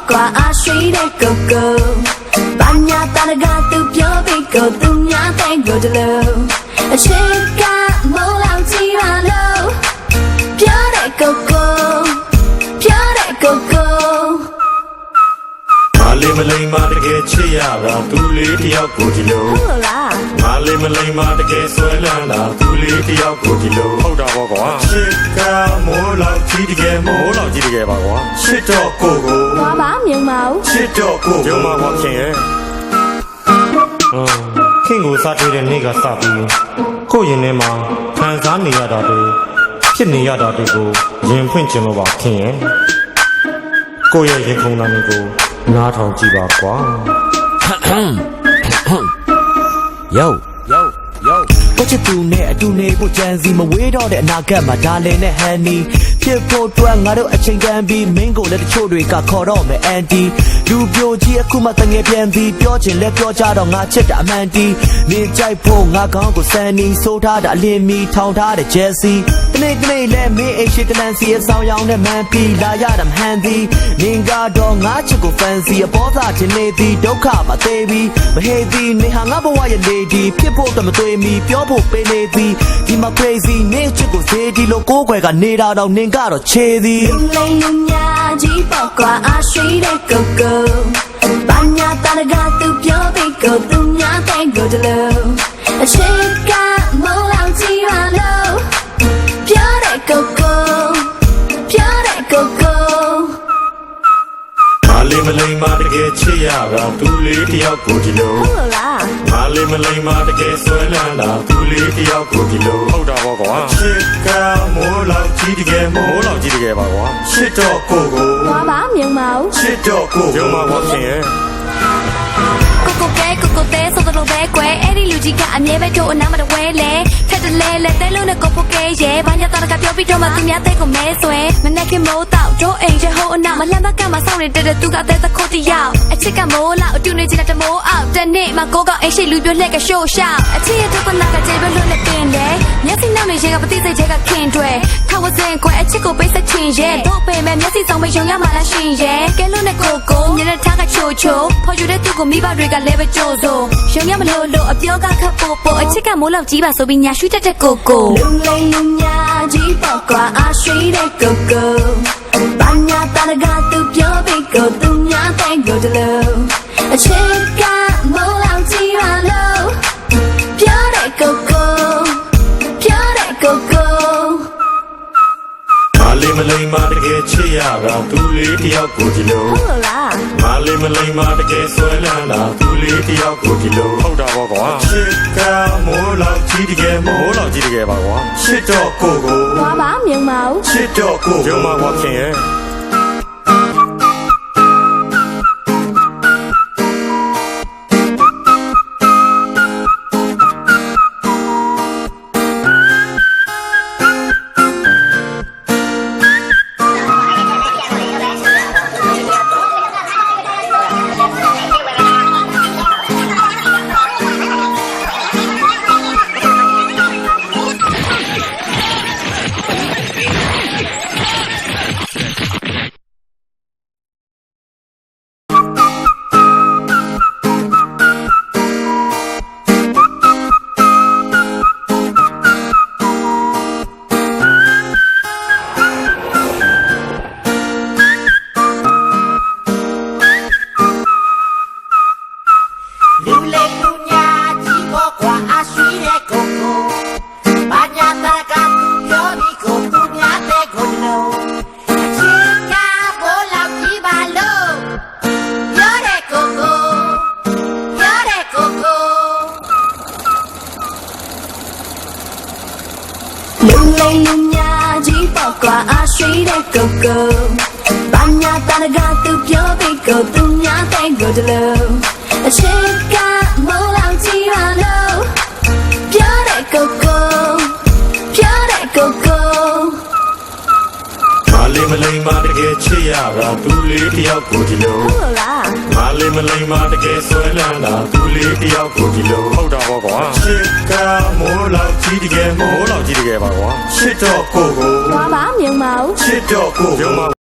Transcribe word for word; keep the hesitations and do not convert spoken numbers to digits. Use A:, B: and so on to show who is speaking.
A: qua a suy để go go ban nhà ta đã gạt từ phía bên cầu từ nhà tay go to low trên cả màu lòng chỉ là lâu phía để go go phía để go go
B: Malay Malay ma de ke chiya ra tu le tiyaw ko di lo
A: ဟုတ်လား
B: Malay Malay ma de ke swai lan la tu le tiyaw ko di lo
C: ဟုတ်တာပေါ့ကွာ
B: Chit ka mo law ji de ke mo
C: မိုးလောက်ကြီးတကယ်ပါကွာ
B: Chit to ko ko
A: သွားပါမြင်ပါဦး
B: Chit to ko
C: ရုံမှာကွာခင်ရဲ့
D: ခင်ကိုစားတွေ့တဲ့နေ့ကစပြီးကိုယ့်ရင်ထဲမှာခံစားနေရတာတွေဖြစ်နေရတာတွေကိုရင်ဖွင့်ခြင်းလို့ပါခင်ရဲ့ကိုယ့်ရဲ့ရင်ခုန်တာတွေကိုနားထောင်ကြည့်ပါကွာ
E: Yo yo yo ကိုချစ်သူနဲ့အတူနေဖို့ကြံစီမဝေးတော့တဲ့အနာဂတ်မှာဒါလင်နဲ့ဟန်နီဖြစ်ဖို့အတွက်ငါတို့အချိန်တန်ပြီးမင်းကိုလည်းတချို့တွေကခေါ်တော့မယ်အန်တီလူပြိုကြီးအခုမှတငယ်ပြန်ပြီးပြောချင်လဲပြောကြတော့ငါချစ်တာအမှန်တီနေကြိုက်ဖို့ငါကောင်းကိုစန်နီဆိုးထားတာအလင်းမီထောင်ထားတဲ့ဂျယ်စီတနေ့တနေ့လဲမင်းအိမ်ရှိတလန်စီအဆောင်ရောင်နဲ့မန်ပီလာရတာမဟန်သည်နင်ကတော့ငါချစ်ကိုဖန်စီအပေါ်သားချင်နေသည်ဒုက္ခမသေးပြီးမဟေးသည်နေဟာငါဘဝရဲ့လေဒီဖြစ်ဖို့တမသွေးမီပြောဖို့ပေးနေသည်ဒီမှာ crazy နေချစ်ကိုစေဒီလိုကိုယ်ွယ်ကနေတာတော့နင်ကတော့ချေသည်
A: လူလိမ်လူညာကြီးပေါ့ကွာအရှိတဲ့ go go ဘာညာတာကသူပြောပြီးကိုသူညာတဲ့ go to low အချစ်ကမောလောင်ကြည့်ရလို့ပြောတဲ့ go go ပြောတဲ့ go go
B: Malay Malay ma de ke chiya ra tu le tiyaw ko di lo
A: ဟုတ်လား
B: Malay Malay ma de ke swai lan la tu le tiyaw ko di lo
C: ဟုတ်တာပေါ့ကွာ
B: Chit ka mo law ji de ke mo
C: မိုးလောက်ကြီးတကယ်ပါကွာ
B: Chit to ko ko
A: သွားပါမြင်ပါဦး
B: Chit to ko
C: ရုံမှာကွာခင်ရဲ့
A: ကိုကိုကဲကိုကိုတဲဆိုတော့ပဲကွယ်အဲ့ဒီလူကြီးကအမြဲပဲတို့အနားမတဝဲလေထက်တလဲလဲတဲလုံးနဲ့ကိုပိုကဲရဲဘာညာတာကပြောပြီးတော့မှသူများတဲ့ကိုမဲဆွဲမနဲ့ခင်မိုးတော့တို့အိမ်ရဲ့ဟိုအနာမလှမ်းဘက်ကမှစောင့်နေတဲ့သူကတဲသခုတ်တယောက်အချစ်ကမိုးလောက်အတူနေချင်တဲ့မိုးအောက်တနေ့မှကိုကအိမ်ရှိလူပြိုလှက်ကရှို့ရှောက်အချစ်ရဲ့ဒုက္ခနာကကျေပဲလွတ်လက်တင်တယ်မျက်စိနောက်နေရဲကပတိစိတ်ချက်ကခင်တွေထောက်ဝစင်ကွယ်အချစ်ကိုပိတ်ဆက်ချင်ရဲတို့ပေမဲ့မျက်စိဆောင်မယုံရမှလားရှင်ရဲကဲလွတ်နဲ့ကိုကိုညနေထားကချိုချိုဖော်ယူတဲ့သူကိုမိဘတွေကလည်းပဲကြိုးစိုးရုံရမလို့လို့အပြောကခပ်ပို့ပို့အချစ်ကမိုးလောက်ကြီးပါဆိုပြီးညာရွှေတက်တဲ့ကိုကိုလူလိမ်လူညာကြီးပေါ့ကွာအရှိတဲ့ go go ဘာညာတာကသူပြောပြီးကိုသူညာတဲ့ go to low အချစ်ကမိုးလောက်ကြီးရလို့ပြောတဲ့ go go ပြောတဲ့ go go
B: Malay Malay ma de ke chiya ra tu le tiyaw ko di lo
A: ဟုတ်လား
B: Malay Malay ma de ke swai lan la tu le tiyaw ko di lo
C: ဟုတ်တာပေါ့ကွာ
B: Chit ka mo law ji de ke mo
C: မိုးလောက်ကြီးတကယ်ပါကွာ
B: Chit to ko ko
A: သွားပါမြင်ပါဦး
B: Chit to ko
C: ရုံမှာကွာခင်ရဲ့
F: လူလိမ်လူညာကြီးပေါ့ကွာအရှိတဲ့ကိုကိုဘာညာတာကသူပြောပြီးကိုသူများတဲ့ကိုလုံးအချစ်ကဘိုးလောက်ကြီးပါလို့ပြောတဲ့ကိုကိုပြောတဲ့ကိုကို
A: လူလိမ်လူညာကြီးပေါ့ကွာအရှိတဲ့ go go ဘာညာတာကသူပြောပြီးကိုသူများတဲ့ go to low အချစ်ကမိုးလောင်ကြီးရလို့ပြောတဲ့ go go ပြောတဲ့ go go
B: Malay Malay ma de ke chiya ra tu le tiyaw ko di lo
A: ဟုတ်လား
B: Malay Malay ma de ke swai lan la tu le tiyaw ko di lo
C: ဟုတ်တာပေါ့ကွာ
B: Chit ka mo law ji de ke mo
C: မိုးလောက်ကြီးတကယ်ပါကွာ
B: Chit to ko ko
A: သွားပါမြင်ပါဦး
B: Chit to ko
C: ရုံမှာ